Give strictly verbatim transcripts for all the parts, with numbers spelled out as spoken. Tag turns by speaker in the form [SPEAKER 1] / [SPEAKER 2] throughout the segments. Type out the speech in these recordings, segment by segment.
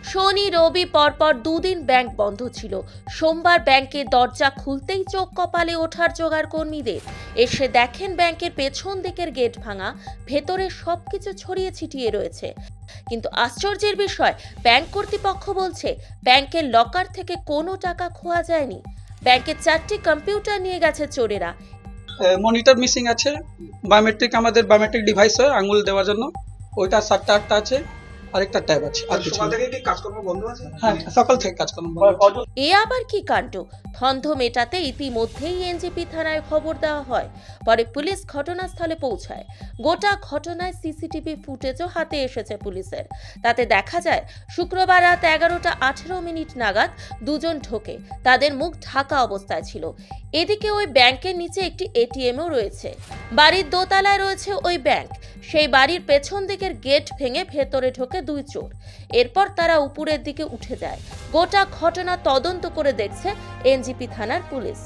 [SPEAKER 1] শনি রবি পরপর দুদিন ব্যাংক বন্ধ ছিল। সোমবার ব্যাংকের দরজা খুলতেই চোখ কপালে ওঠার জোগাড় কর্মীদের। এসে দেখেন ব্যাংকের পেছন দিকের গেট ভাঙা, ভেতরে সবকিছু ছড়িয়ে ছিটিয়ে রয়েছে। কিন্তু আশ্চর্যের বিষয়, ব্যাংক কর্তৃপক্ষ বলছে ব্যাংকের লকার থেকে কোনো টাকা খোয়া যায়নি। ব্যাংকের চারটি কম্পিউটার নিয়ে গেছে চোরেরা।
[SPEAKER 2] মনিটর মিসিং আছে, বায়োমেট্রিক আমাদের বায়োমেট্রিক ডিভাইস হয় আঙ্গুল দেওয়ার জন্য, ওইটা সাতটা আটটা আছে, আরেকটা ট্যাব আছে। আর কিছু
[SPEAKER 3] সকাল থেকে কি কাজকর্ম বন্ধ আছে?
[SPEAKER 2] হ্যাঁ, সকাল থেকে কাজকর্ম বন্ধ আছে।
[SPEAKER 1] এ আবার কি কাণ্ড! ধন্ধ মেটাতে ইতিমধ্যেই এনজিপি থানায় খবর দেওয়া হয়। পরে পুলিশ ঘটনাস্থলে পৌঁছায়। গোটা ঘটনায় সিসিটিভি ফুটেজও হাতে এসেছে পুলিশের। তাতে দেখা যায় শুক্রবার রাত এগারোটা আঠেরো মিনিট নাগাদ দুজন ঢোকে। তাদের মুখ ঢাকা অবস্থায় ছিল। এদিকে ওই ব্যাংকের নিচে একটি এটিএমও রয়েছে। বাড়ির দোতলায় রয়েছে ওই ব্যাংক। সেই বাড়ির পেছন দিকের গেট ভেঙে ভেতরে ঢোকে দুই চোর। এরপর তারা উপরের দিকে উঠে যায়। গোটা ঘটনা তদন্ত করে দেখছে এনজিপি থানার পুলিশ।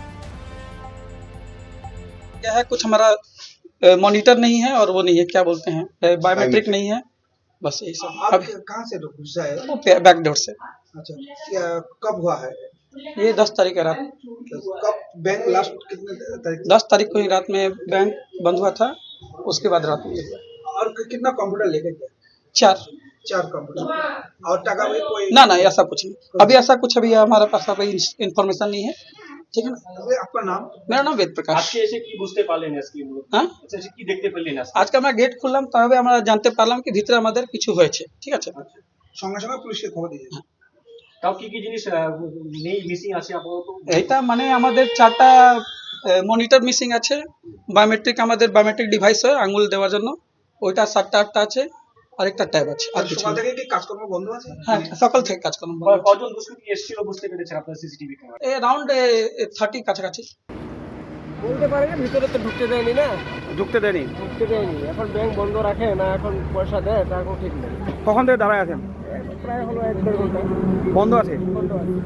[SPEAKER 2] क्या है, कुछ हमारा मॉनिटर नहीं है और वो नहीं है, क्या बोलते हैं, बायोमेट्रिक नहीं है, बस यही सब।
[SPEAKER 3] आप
[SPEAKER 2] अब
[SPEAKER 3] कहाँ से घुसा है?
[SPEAKER 2] वो बैक डोर से।
[SPEAKER 3] अच्छा, क्या कब हुआ है?
[SPEAKER 2] ये दस तारीख है रात,
[SPEAKER 3] कब बैंक लास्ट कितने तारीख?
[SPEAKER 2] दस तारीख को ही रात में बैंक बंद हुआ था, उसके बाद रात में
[SPEAKER 3] और कि- कितना कंप्यूटर लेके गया?
[SPEAKER 2] चार।
[SPEAKER 3] चार कंप्यूटर और टका में कोई
[SPEAKER 2] ना ना, ऐसा कुछ नहीं, अभी ऐसा कुछ अभी हमारे पास कोई इन्फॉर्मेशन नहीं है, ठीक है ना।
[SPEAKER 3] अबे, आपका नाम?
[SPEAKER 2] मेरा नाम वेद प्रकाश।
[SPEAKER 4] আজকে এসে কি বুঝতে পারলেন আজকে মূলত?
[SPEAKER 2] হ্যাঁ,
[SPEAKER 4] আচ্ছা এসে কি দেখতে পেলেন আজকে?
[SPEAKER 2] আজকে আমরা গেট খুললাম, তবে আমরা জানতে পারলাম কি ভিতরে আমাদের কিছু হয়েছে, ঠিক আছে।
[SPEAKER 3] সঙ্গে সঙ্গে পুলিশকে খবর দিয়ে দিয়েছে।
[SPEAKER 4] তাও কি কি জিনিস আহ, নেই, মিসিং আছে আপাতত?
[SPEAKER 2] এইটা মানে আমাদের চারটা মনিটর মিসিং আছে, বায়োমেট্রিক আমাদের বায়োমেট্রিক ডিভাইস হয় আঙ্গুল দেওয়ার জন্য, ওইটা সাতটা আটটা আছে, আরেকটা ট্যাব আছে। আর কিছু
[SPEAKER 3] সকাল
[SPEAKER 2] না।
[SPEAKER 3] থেকে কি কাজকর্ম বন্ধ আছে?
[SPEAKER 2] হ্যাঁ, সকাল থেকে কাজকর্ম বন্ধ আছে।
[SPEAKER 4] কজন দুষ্কৃতী এসেছিল বুঝতে পেরেছেন আপনার সিসিটিভি ক্যামেরা?
[SPEAKER 2] এই রাউন্ড থার্টি কাছাকাছি।
[SPEAKER 5] বলতে পারে না, ভিতরে তো ঢুকতে দেয়নি না,
[SPEAKER 6] ঢুকতে দেয়নি।
[SPEAKER 5] ঢুকতে দেয়নি। এখন ব্যাংক বন্ধ রাখে না, এখন পয়সা দেয়, তা এখন ঠিক নেই।
[SPEAKER 6] কখন থেকে দাঁড়ায় আছেন?
[SPEAKER 5] প্রায় হলো এক দেড় ঘন্টা
[SPEAKER 6] বন্ধ আছে।
[SPEAKER 5] বন্ধ আছে।